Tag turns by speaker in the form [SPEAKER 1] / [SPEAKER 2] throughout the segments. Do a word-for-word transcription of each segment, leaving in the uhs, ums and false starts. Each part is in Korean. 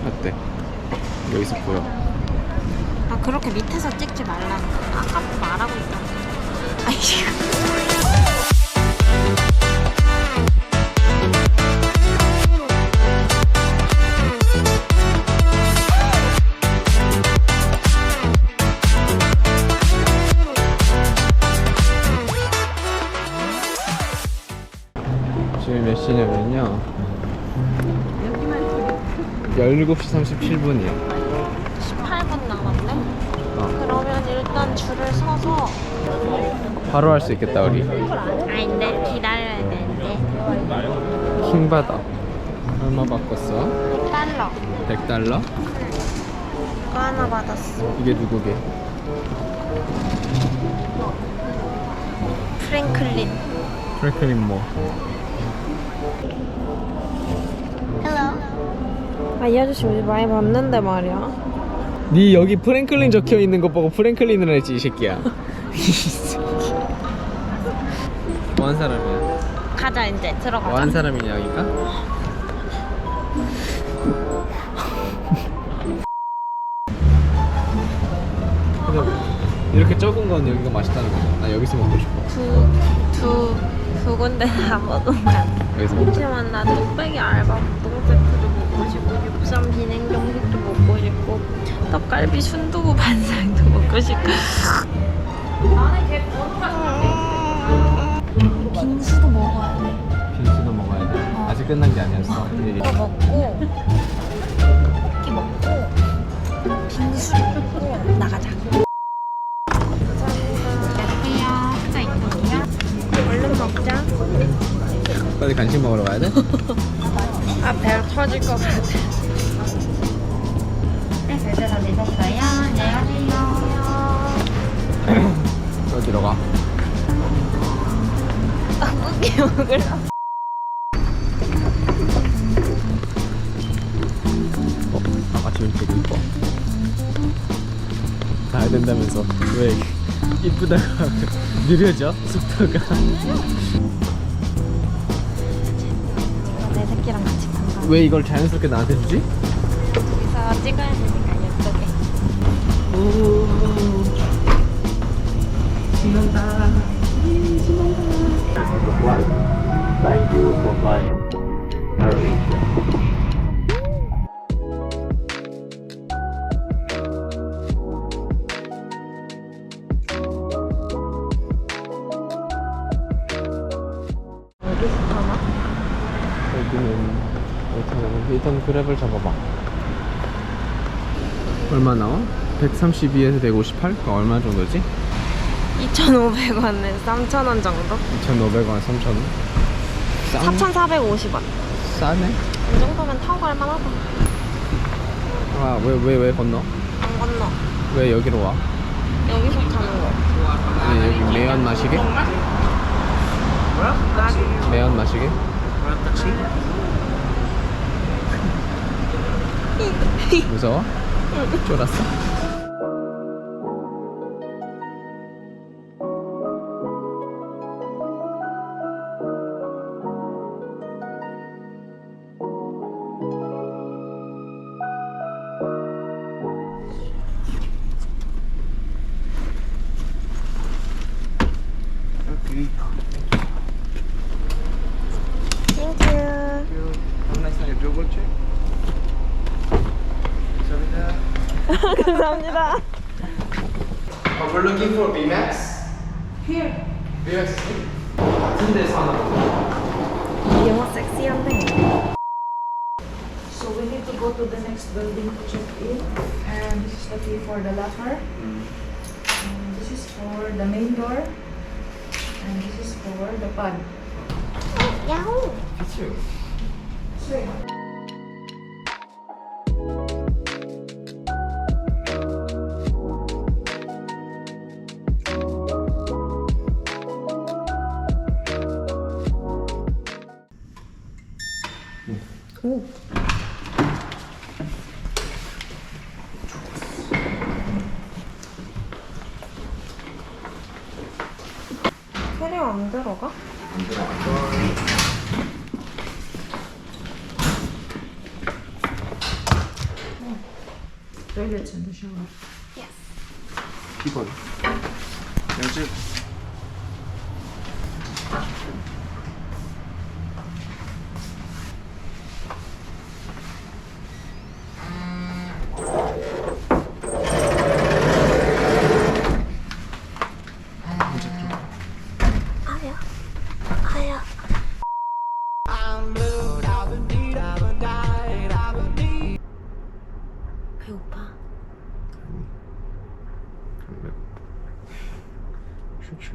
[SPEAKER 1] 어때? 여기서 보여.
[SPEAKER 2] 아 그렇게 밑에서 찍지 말라는 거야. 아까부터 말하고 있잖아. 아이씨.
[SPEAKER 1] 지금 몇 시냐면요 열일곱 시 삼십칠 분이에요
[SPEAKER 2] 십팔 분 남았네?
[SPEAKER 1] 어.
[SPEAKER 2] 그러면 일단 줄을 서서
[SPEAKER 1] 바로 할 수 있겠다 우리.
[SPEAKER 2] 아닌데 기다려야 되는데.
[SPEAKER 1] 킹받아. 얼마 바꿨어?
[SPEAKER 2] 백 달러
[SPEAKER 1] 백 달러?
[SPEAKER 2] 이거 하나 받았어.
[SPEAKER 1] 이게 누구게?
[SPEAKER 2] 프랭클린.
[SPEAKER 1] 프랭클린 뭐?
[SPEAKER 2] 아, 이 아저씨 우리 많이 봤는데 말이야.
[SPEAKER 1] 니 여기 프랭클린 적혀있는 거 보고 프랭클린을 했지 이 새끼야. 뭐한 사람이야?
[SPEAKER 2] 가자 이제 들어가자.
[SPEAKER 1] 뭐한 사람이냐 여기가? 근데 이렇게 적은 건 여기가 맛있다는 거야. 나 여기서 먹고 싶어.
[SPEAKER 2] 두, 두, 두 군데 다 먹으면.
[SPEAKER 1] 여기서 먹자.
[SPEAKER 2] 하지만 나 뚝배기 알바 우동 세트도 먹고 싶고 육삼 비냉 정식도 먹고 싶고 떡갈비 순두부 반상도 먹고 싶고 빙수도 먹어야 돼.
[SPEAKER 1] 빙수도 먹어야 돼.
[SPEAKER 2] 어.
[SPEAKER 1] 아직 끝난 게 아니었어.
[SPEAKER 2] 이거 먹고 떡볶이 먹고 빙수 먹고 나가자. 감사합니다. 피자 있거든요. 얼른 먹자.
[SPEAKER 1] 빨리 간식 먹으러 가야 돼?
[SPEAKER 2] 아, 배 터질 것 같아. 네, 결제 다 되셨어요. 안녕하세요.
[SPEAKER 1] 어디로 가?
[SPEAKER 2] 떡볶이 먹으러.
[SPEAKER 1] 어? 아까 이렇게 이뻐. 가야 된다면서 왜 이쁘다고 하면 느려져? 속도가.
[SPEAKER 2] 내 새끼랑 같이 간다.
[SPEAKER 1] 왜 이걸 자연스럽게 나한테 주지?
[SPEAKER 2] 여기서 찍어야 되니까 예쁘게.
[SPEAKER 1] 오, 신난다.
[SPEAKER 3] Thank you for flying AirAsia.
[SPEAKER 2] 어디서 타나?
[SPEAKER 1] 여기는 일단, 일단 그랩을 잡아봐. 얼마 나와? 백삼십이에서 백오십팔? 그 얼마 정도지?
[SPEAKER 2] 이천오백 원에 삼천 원 정도?
[SPEAKER 1] 이천오백 원, 삼천 원? 싼?
[SPEAKER 2] 사천사백오십 원.
[SPEAKER 1] 싸네?
[SPEAKER 2] 이 정도면 타고 갈 만하다.
[SPEAKER 1] 아, 왜, 왜, 왜 건너?
[SPEAKER 2] 안 건너.
[SPEAKER 1] 왜 여기로 와?
[SPEAKER 2] 여기서 타는 거.
[SPEAKER 1] 왜 여기 매연 마시게? 매연 마시게? 무서워? 쫄았어?
[SPEAKER 2] 땡큐.
[SPEAKER 1] Have a nice night. Double check.
[SPEAKER 2] 감사합니다.
[SPEAKER 1] Oh, we're looking for B MAX.
[SPEAKER 2] Here.
[SPEAKER 1] B MAX. 같은 데서 하나 보자.
[SPEAKER 2] 영어 섹시한데.
[SPEAKER 4] So we need to go to the next building to check in, and this is the key for the locker. And this is for the main door, and this is for the pad.
[SPEAKER 2] 야호.
[SPEAKER 1] 피치.
[SPEAKER 4] Sweet.
[SPEAKER 2] 오. 캐리어 안 들어가?
[SPEAKER 1] 안 들어가.
[SPEAKER 4] toilets and the shower.
[SPEAKER 1] 비건. 요즘
[SPEAKER 2] 배고파.
[SPEAKER 1] 슈슈.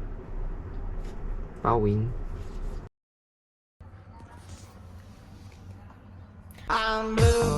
[SPEAKER 1] 빠윙.
[SPEAKER 5] I'm blue.